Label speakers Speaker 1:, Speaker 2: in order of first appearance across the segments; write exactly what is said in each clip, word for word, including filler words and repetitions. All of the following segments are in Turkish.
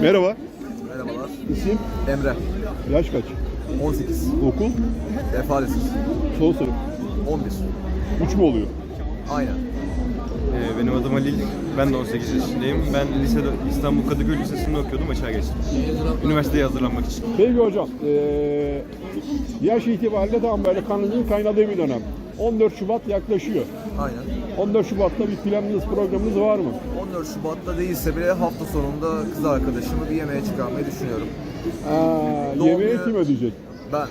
Speaker 1: Merhaba.
Speaker 2: Merhabalar.
Speaker 1: İsim?
Speaker 2: Emre.
Speaker 1: Yaş kaç?
Speaker 2: on sekiz.
Speaker 1: Okul?
Speaker 2: Efalesiz.
Speaker 1: Son sınıf.
Speaker 2: on bir.
Speaker 1: üç mü oluyor?
Speaker 2: Aynen.
Speaker 3: Ee, Benim adım Halil. Ben de on sekiz yaşındayım. Ben lisede İstanbul Kadıköy Lisesi'nde okuyordum. Açığa geçtim. Üniversiteye hazırlanmak için.
Speaker 1: Peki hocam, ee, yaş itibariyle tam böyle kanının kaynadığı bir dönem. on dört Şubat yaklaşıyor.
Speaker 2: Aynen.
Speaker 1: on dört Şubat'ta bir planınız, programınız var mı?
Speaker 2: on dört Şubat'ta değilse bile hafta sonunda kız arkadaşımı bir yemeğe çıkarmayı düşünüyorum.
Speaker 1: Aa,
Speaker 2: Doğum
Speaker 1: yemeği
Speaker 2: günü-
Speaker 1: kim ödeyecek?
Speaker 2: Ben.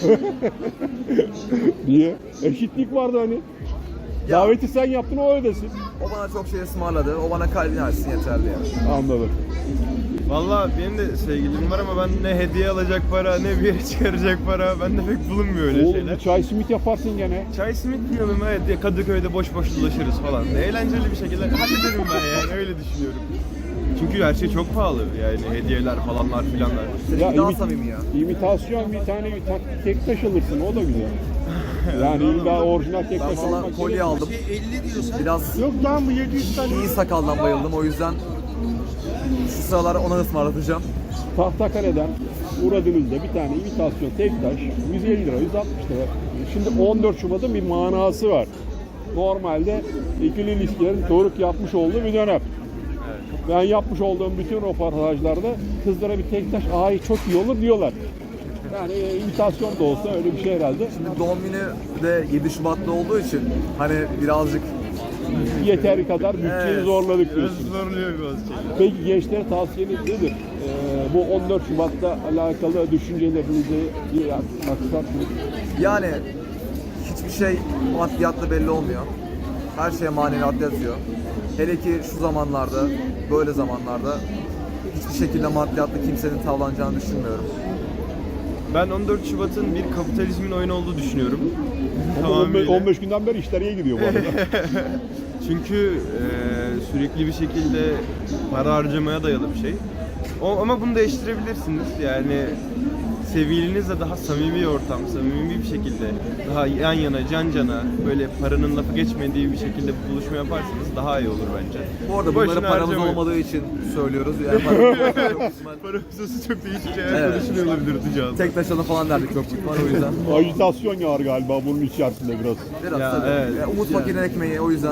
Speaker 1: Niye? Eşitlik vardı hani.
Speaker 2: Ya.
Speaker 1: Daveti sen yaptın, o ödesin.
Speaker 2: O bana çok şey ısmarladı. O bana kalbini açsın yeterli yani.
Speaker 1: Anladım.
Speaker 3: Valla benim de sevgilim var ama ben ne hediye alacak para, ne bir yere çıkaracak para. Bende pek bulunmuyor öyle
Speaker 1: Oğlum
Speaker 3: şeyler.
Speaker 1: bir çay simit yaparsın gene.
Speaker 3: Çay simit yiyorum, evet, ya Kadıköy'de boş boş dolaşırız falan. Eğlenceli bir şekilde hallederim ben yani, öyle düşünüyorum. Çünkü her şey çok pahalı yani, hediyeler falanlar filanlar.
Speaker 2: Seninki daha
Speaker 1: imi-
Speaker 2: samimi ya.
Speaker 1: imitasyon bir tane bir tak- tek taş alırsın, o da güzel. Yani illa orijinal tek
Speaker 2: Ben
Speaker 1: taş
Speaker 2: valla
Speaker 1: almak
Speaker 2: kolye
Speaker 1: gerekmiyor.
Speaker 2: aldım. Biraz
Speaker 1: Yok lan bu yedi yüz tane.
Speaker 2: iyi sakaldan bayıldım. O yüzden şu sıralar ona ısmarlatacağım.
Speaker 1: Tahtakale'den uğradığınızda bir tane imitasyon tek taş yüz elli lira, yüz altmış lira. Şimdi on dört Şubat'ın bir manası var. Normalde ikili ilişkilerin doruk yapmış olduğu bir dönem. Ben yapmış olduğum bütün röportajlarda kızlara bir tek taş, ay çok iyi olur diyorlar. Yani e, imitasyon da olsa öyle bir şey herhalde.
Speaker 2: Şimdi doğum günü de yedi Şubat'ta olduğu için hani birazcık
Speaker 1: Yeteri kadar bütçeyi
Speaker 2: Evet.
Speaker 1: zorladık
Speaker 3: Biraz
Speaker 1: diyorsun.
Speaker 3: zorluyor bazı şeyler.
Speaker 1: Peki gençlere tavsiyeniz nedir? Ee, bu on dört Şubat'ta alakalı düşüncelerinizi bir aksarsınız.
Speaker 2: yani hiçbir şey maddiyatla belli olmuyor. Her şeye maneviyat yatıyor. Hele ki şu zamanlarda, böyle zamanlarda hiçbir şekilde maddiyatla kimsenin tavlanacağını düşünmüyorum.
Speaker 3: Ben on dört Şubat'ın bir kapitalizmin oyunu olduğu düşünüyorum.
Speaker 1: Ama on beş,
Speaker 3: Tamamıyla.
Speaker 1: on beş günden beri işler iyi gidiyor bu arada.
Speaker 3: Çünkü e, sürekli bir şekilde para harcamaya dayalı bir şey. O, ama bunu değiştirebilirsiniz. Yani sevgilinizle daha samimi bir ortam, samimi bir şekilde, daha yan yana, can cana, böyle paranın lafı geçmediği bir şekilde bir buluşma yaparsanız daha iyi olur bence.
Speaker 2: Bu arada
Speaker 3: Boşuna
Speaker 2: bunları paramız
Speaker 3: harcamayın.
Speaker 2: olmadığı için söylüyoruz. Yani paramız çok ihtimal-
Speaker 3: Para hususu çok değişik şeyler
Speaker 2: Evet.
Speaker 3: konuşuluyor olabilir Tuğcan.
Speaker 2: tek taşını falan derdik çok büyük var o yüzden.
Speaker 1: Ajitasyon var galiba bunun içerisinde biraz.
Speaker 2: Biraz
Speaker 3: Ya,
Speaker 2: tabii.
Speaker 3: evet.
Speaker 2: Yani Umut
Speaker 3: Yani.
Speaker 2: Fakir'in ekmeği o yüzden